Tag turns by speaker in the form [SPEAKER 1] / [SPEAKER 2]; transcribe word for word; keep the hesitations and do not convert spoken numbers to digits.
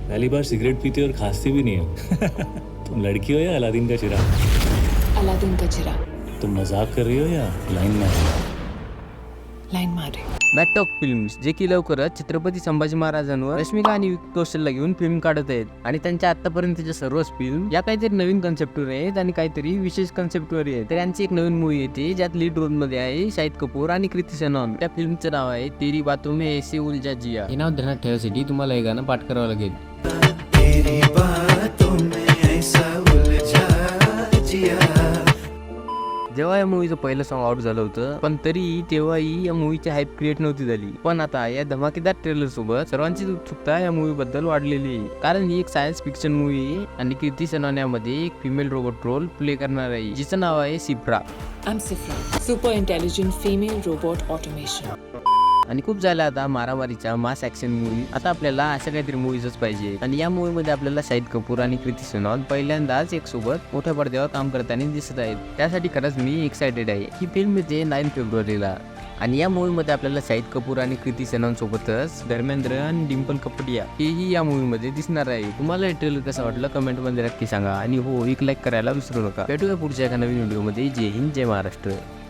[SPEAKER 1] पहली बार सिगरेट पीती और खांसती भी नहीं है। तुम लड़की हो या अलादीन का चिराग?
[SPEAKER 2] अलादीन का चिराग।
[SPEAKER 1] तुम मजाक कर रही हो या लाइन में?
[SPEAKER 2] लाईन मारे.
[SPEAKER 3] मॅटॉक फिल्म्स, जे की लवकरच छत्रपती संभाजी महाराजांवर रश्मिका आणि विकी कौशलला घेऊन फिल्म काढत आहेत आणि त्यांच्या आतापर्यंतच्या सर्वच फिल्म या काहीतरी नवीन कन्सेप्टवर आहेत आणि काहीतरी विशेष कन्सेप्टवर आहेत. तर यांची एक नवीन मूवी येते ज्यात लीड रोल मध्ये आहे शाहिद कपूर आणि कृती सेनॉन. त्या फिल्मचं नाव आहे तेरी बातों में ऐसे उलझा जिया. हे नाव ध्यानात ठेवायसाठी तुम्हाला हे गाणं पाठ करावं लागेल. तेरी बातों में ऐसा उलझा जिया. जेव्हा या मूवीचं पहिलं सॉन्ग आउट झालं होतं, पण तरी तेव्हाही या मूवीची हाईप क्रिएट नव्हती झाली. पण आता या धमाकेदार ट्रेलर सोबत सर्वांचीच उत्सुकता या मूवी बद्दल वाढलेली आहे. कारण ही एक सायन्स फिक्शन मूवी आहे आणि कृती सेनॉन यामध्ये एक फिमेल रोबोट रोल प्ले करणार आहे, जिचं नाव आहे Sifra.
[SPEAKER 2] I am Sifra, super intelligent female robot automation.
[SPEAKER 3] आणि खूप झालं आता मारामारीच्या मास ऍक्शन मूवी. आता आपल्याला अशा काहीतरी मूवीजच पाहिजे आणि या मूवी मध्ये आपल्याला शाहिद कपूर आणि कृती सेनॉन पहिल्यांदाच एक सोबत मोठ्या पडद्यावर काम करताना दिसत आहेत. त्यासाठी खरंच मी एक्सायटेड आहे. ही फिल्म येते नाईन फेब्रुवारीला आणि या मूवी मध्ये आपल्याला शाहिद कपूर आणि कृती सेनॉन सोबतच धर्मेंद्र आणि डिंपल कपडिया हेही या मूवी मध्ये दिसणार आहे. तुम्हाला हे ट्रेलर कसं वाटलं कमेंट मध्ये नक्की सांगा आणि हो, एक लाईक करायला विसरू नका. भेटूया पुढच्या एका नवीन व्हिडिओ मध्ये. जय हिंद, जय महाराष्ट्र.